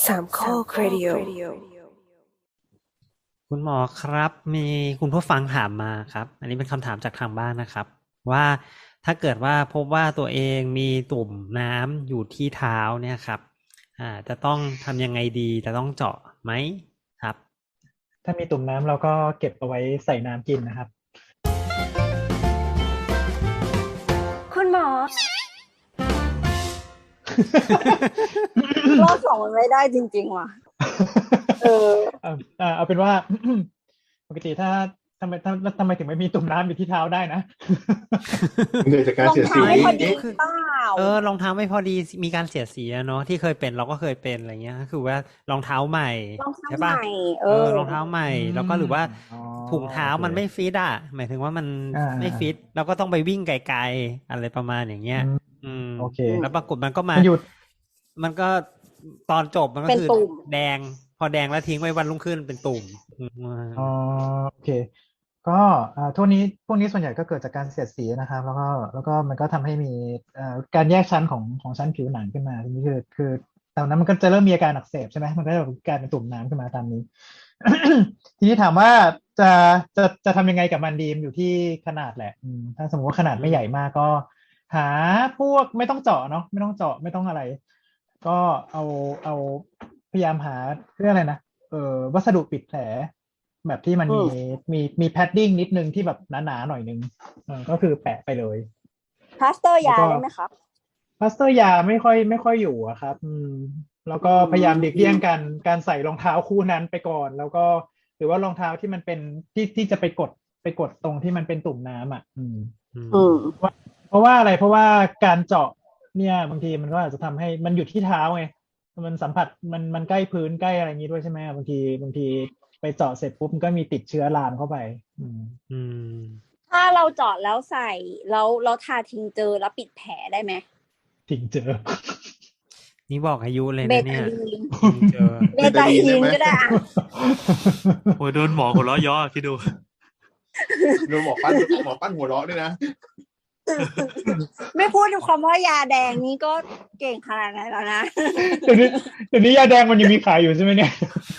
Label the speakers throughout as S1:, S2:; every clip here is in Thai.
S1: สามข้อครดิโอ
S2: คุณหมอครับมีคุณผู้ฟังถามมาครับอันนี้เป็นคำถามจากทางบ้านนะครับว่าถ้าเกิดว่าพบว่าตัวเองมีตุ่มน้ำอยู่ที่เท้าเนี่ยครับจะต้องทำยังไงดีจะต้องเจาะไหมครับ
S3: ถ้ามีตุ่มน้ำเราก็เก็บเอาไว้ใส่น้ำกินนะครับ
S1: คุณหมอ
S4: รอบสองมันไม่ได้จริงๆว่ะ
S3: เอาเป็นว่า ปกติถ้าทำไมถึงไม่มีตุ่มน้ำอยู่ที่เท้าได้นะ
S5: เหนื่อยจากการเสียสี
S4: รองเท้าไม่พอดีเปล่าร
S2: องเท้าไม่พอดีมีการเสียสีเนาะที่เคยเป็นเราก็เคยเป็นอะไรเงี้ยก็คือว่ารองเท้าใหม่
S4: รองเท้า
S2: ใช่
S4: ให
S2: ปะ
S4: ม่
S2: รองเท้าใหม่แล้วก็หรือว่าถุงเท้ามันไม่ฟิตหมายถึงว่ามันไม่ฟิตเราก็ต้องไปวิ่งไกลๆอะไรประมาณอย่างเงี้ย
S3: โอเค
S2: แล้วปรากฏมันก็มันก็ตอนจบมันก็คือแดงพอแดงแล้วทิ้งไว้วันรุ่งขึ้นเป็นตุ่ม
S3: โอเคก็พวกนี้ส่วนใหญ่ก็เกิดจากการเสียดสีนะครับแล้วก็มันก็ทำให้มีการแยกชั้นของชั้นผิวหนังขึ้นมาทีนี้คือตอนนั้นมันก็จะเริ่มมีอาการอักเสบใช่ไหมมันก็จะกลายเป็นตุ่มน้ำขึ้นมาตามนี้ ทีนี้ถามว่าจะทำยังไงกับมันดีมอยู่ที่ขนาดแหละถ้าสมมติว่าขนาดไม่ใหญ่มากก็หาพวกไม่ต้องเจาะเนาะไม่ต้องเจาะไม่ต้องอะไรก็เอาพยายามหาเรื่องอะไรนะวัสดุปิดแผลแบบที่มันมีแพดดิ้งนิดนึงที่แบบหนาๆหน่อยนึงก็คือแปะไปเลย
S4: พลาสเตอร์ยาได้ไหมครับ
S3: พลาสเตอร์ยาไม่ค่อยอยู่อะครับแล้วก็พยายามหลีกเลี่ยงการใส่รองเท้าคู่นั้นไปก่อนแล้วก็หรือว่ารองเท้าที่มันเป็นที่จะไปกดตรงที่มันเป็นตุ่มน้ำเพราะว่าอะไรเพราะว่าการเจาะเนี่ยบางทีมันก็อาจจะทำให้มันอยู่ที่เท้าไงมันสัมผัสมันใกล้พื้นใกล้อะไรอย่างนี้ด้วยใช่ไหมบางทีไปเจาะเสร็จปุ๊บมันก็มีติดเชื้อลามเข้าไป
S4: ถ้าเราเจาะแล้วใส่เราทาทิงเจอแล้วปิดแผลได้ไหม
S3: ทิงเจอ
S2: นี่บอกอายุเลยนะเนี่ย
S4: เบตาดีนก็ได้
S6: โอ้ยโดนหมอหัวเราะย่อคิดดู
S5: โดนหมอปั้นหัวเราะด้วยนะ
S4: ไม่พูดถึงความว่ายาแดงนี้ก็เก่งขนาดไหนแล้วนะ
S3: เดี๋ยวนี้ยาแดงมันยังมีขายอยู่ใช่ไหมเนี่ย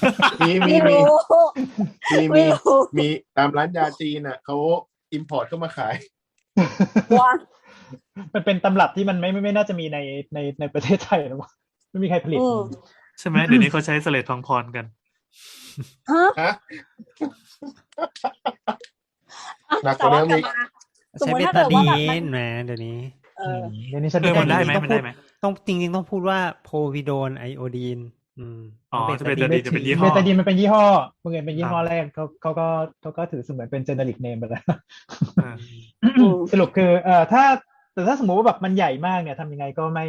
S5: มีตามร้านยาจีนอ่ะเขาอิมพอร์ตเข้ามาขาย
S4: ว่า
S3: มันเป็นตำรับที่มันไม่น่าจะมีในประเทศไทยหรอกไม่มีใครผลิต
S6: ใช่ไหมเดี๋ยวนี้เขาใช้เสลดทองพรกัน
S5: ฮะหนักกว่าเดิมอีก
S2: ใช้เบตาดีนนะเดี๋ยวนี้
S6: มันได้ไหม
S2: ต้องจริงๆต้องพูดว่าโพวิโดนไอโอดีน
S6: เบตาดีนจะเป็นยี่ห้อ
S3: เบตาดีนมันเป็นยี่ห้อเมื่อกี้เป็นยี่ห้อแรกเขาก็ถือเสมือนเป็นเจเนริกเนมไปแล้วสรุปคือแต่ถ้าสมมติว่าแบบมันใหญ่มากเนี่ยทำยังไงก็ไม่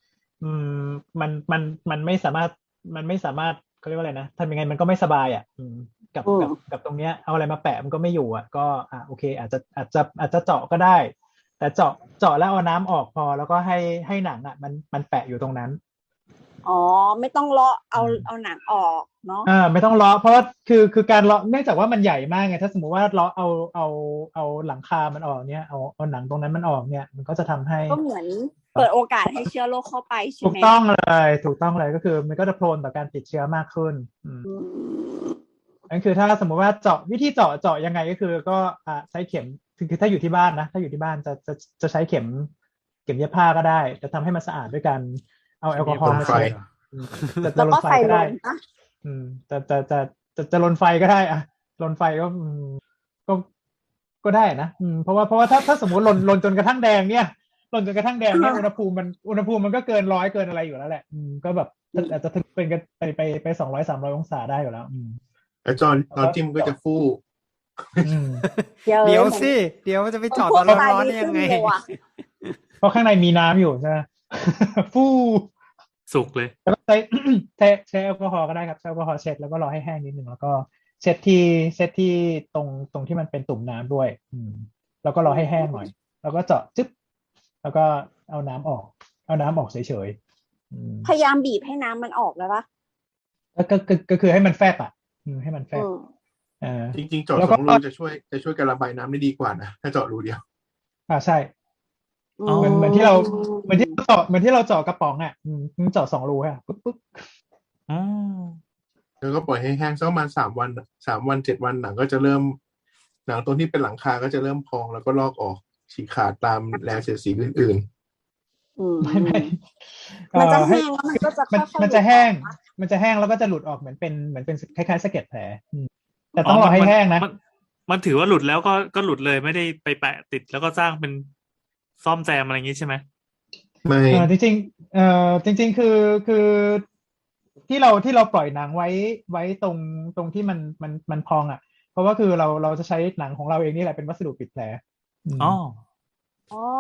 S3: มันไม่สามารถเขาเรียกว่าอะไรนะทำยังไงมันก็ไม่สบายกับตรงเนี้ยเอาอะไรมาแปะมันก็ไม่อยู่โอเคอาจจะเจาะก็ได้แต่เจาะแล้วเอาน้ำออกพอแล้วก็ให้หนังมันแปะอยู่ตรงนั้น
S4: ไม่ต้องเลาะเอาหนังออกเนาะ
S3: ไม่ต้องเลาะเพราะคือการเลาะเนื่องจากว่ามันใหญ่มากไงถ้าสมมติว่าเลาะเอาหลังคามันออกเนี่ยเอาหนังตรงนั้นมันออกเนี่ยมันก็จะทำให้
S4: ก็เหมือนเปิดโอกาสให้เชื้อโรคเข้าไปใช่ไหม
S3: ถูกต้องเลยก็คือมันก็จะโพลนต่อการติดเชื้อมากขึ้นนั่นคือถ้าสมมติว่าวิธีเจาะยังไงก็คือก็ใช้เข็มคือถ้าอยู่ที่บ้านนะถ้าอยู่ที่บ้านจะใช้เข็มเย็บผ้าก็ได้จะทำให้มันสะอาดด้วยการเอาแอลกอฮอล์มาเช็ดจะลนไฟก็ได้จะลนไฟก็ได้ลนไฟก็ได้นะเพราะว่าถ้าสมมติลนจนกระทั่งแดงเนี่ยลนจนกระทั่งแดงเนี่ยอุณหภูมิมันก็เกิน100เกินอะไรอยู่แล้วแหละก็แบบอาจจะถึงเป็นกันไป200-300องศาได้อยู่แล้ว
S5: แล้วตอนจิ้มก็จะฟู
S2: เดี๋ยวสิเดี๋ยวจะไปเจาะตอนร้อนๆยังไง
S3: เพราะข้างในมีน้ำอยู่ใช่ไหมฟู
S6: สุกเลย
S3: แล้วใช้แอลกอฮอล์ก็ได้ครับใช้แอลกอฮอล์เช็ดแล้วก็รอให้แห้งนิดนึงแล้วก็เช็ดที่ตรงที่มันเป็นตุ่มน้ำด้วยแล้วก็รอให้แห้งหน่อยแล้วก็เจาะจึ๊บแล้วก็เอาน้ำออกเฉย
S4: ๆพยายามบีบให้น้ำมันออกแล้วปะ
S3: ก็คือให้มันแฟบให้มันแฟบ
S5: จริงๆเจาะ2 รูจะช่วยการระบายน้ำได้ดีกว่านะถ้าเจาะรูเดียว
S3: ใช่เหมือนที่เราเจาะกระป๋องเจาะ2 รูปุ๊บ
S6: อ๋อ
S5: แล้วก็ปล่อยให้แห้งสักประมาณ3 วัน 7 วันหนังก็จะเริ่มหนังตรงที่เป็นหลังคาก็จะเริ่มพองแล้วก็ลอกออกฉีกขาดตามแรงเสียดสีอื่น
S3: ไม่
S4: มันจะ
S3: ให้
S4: แห้งแล้วมันก็จะค่อยๆ
S3: มันจะแห้งมันจะแห้งแล้วก็จะหลุดออกเหมือนเป็นคล้ายๆสะเก็ดแผลแต่ต้องรอให้แห้งนะ
S6: มันถือว่าหลุดแล้วก็หลุดเลยไม่ได้ไปแปะติดแล้วก็สร้างเป็นซ่อมแซมอะไรอย่างงี้ใช่ไหม
S5: ๆ ไม่
S3: จริงๆจริงๆคือที่เราปล่อยหนังไว้ตรงที่มันพองอ่ะ เพราะว่าคือเราจะใช้หนังของเราเองนี่แหละเป็นวัสดุปิดแผล
S6: อ๋อ
S4: อ๋อ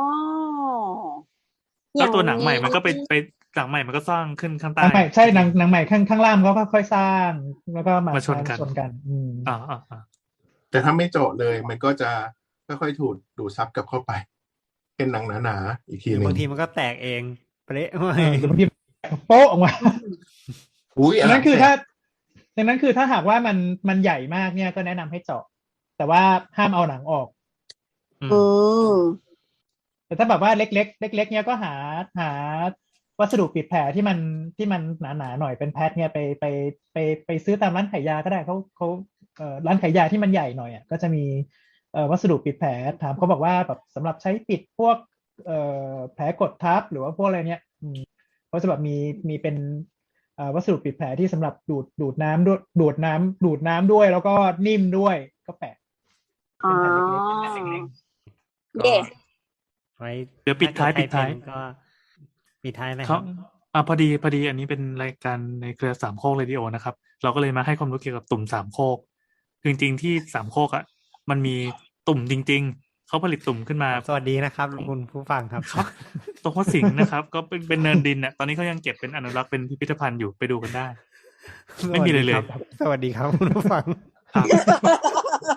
S6: แล้วตัวหนังใหม่มันก็ไปหนังใหม่มันก็สร้างขึ้นข้าง
S3: ห
S6: ใต้
S3: นังใหม่ใช่หนังใหม่ข้างล่างก็ค่อยๆสร้าง แล้วก็มา
S6: มาชนกัน
S3: กัน
S6: อ่า
S5: แต่ถ้าไม่เจาะเลยมันก็จะค่อยๆถูกดูดซับกลับเข้าไป เป็นหนังหนาๆอีกทีหนึ่ง
S2: บางทีมันก็แตกเองเปร๊ะ
S3: หรือบางทีโป๊ะออกมา
S5: อุ้ย
S3: ดังนั้นคือถ้าหากว่ามันใหญ่มากเนี่ยก็แนะนำให้เจาะ แต่ว่าห้ามเอาหนังออก
S4: อืม
S3: แต่ถ้าแบบว่าเล็กๆเล็กๆเนี่ยก็หาวัสดุปิดแผลที่มันหนาๆหน่อยเป็นแพทเนี่ยไปซื้อตามร้านขายยาก็ได้เขาร้านขายยาที่มันใหญ่หน่อยอ่ะก็จะมีวัสดุปิดแผลถามเขาบอกว่าแบบสำหรับใช้ปิดพวกแผลกดทับหรือว่าพวกอะไรเนี่ยเขาจะแบบมีเป็นวัสดุปิดแผลที่สำหรับดูดน้ำด้วยดูดน้ำด้วยแล้วก็นิ่มด้วยก็แปะ
S4: อ๋อ
S3: เป็นแผ่นเล็กๆ
S4: เย่
S2: ไว้
S6: เดี๋ยวปิดท้าย
S2: ถ้เกิใครเป็นก็ปิดท้ายไหมค
S6: เขา
S2: รับ
S6: พอดีอันนี้เป็นรายการในเครือสามโคกเรดิโอนะครับ เราก็เลยมาให้ความรู้เกี่ยวกับตุ่มสามโคกคือจริงๆที่สามโคกอ่ะมันมีตุ่มจริงๆเขาผลิตตุ่มขึ้นมา
S2: สวัสดีนะครับคุณผู้ฟังครับ
S6: ครับตรงหัวสิงห์นะครับ ก็เป็นเนินดินอ่ะตอนนี้เขายังเก็บเป็นอนุรักษ์เป็นพิพิธภัณฑ์อยู่ไปดูกันได้ ไม่มีเลย
S2: สวัสดีครับคุณผู้ฟัง
S6: ครับ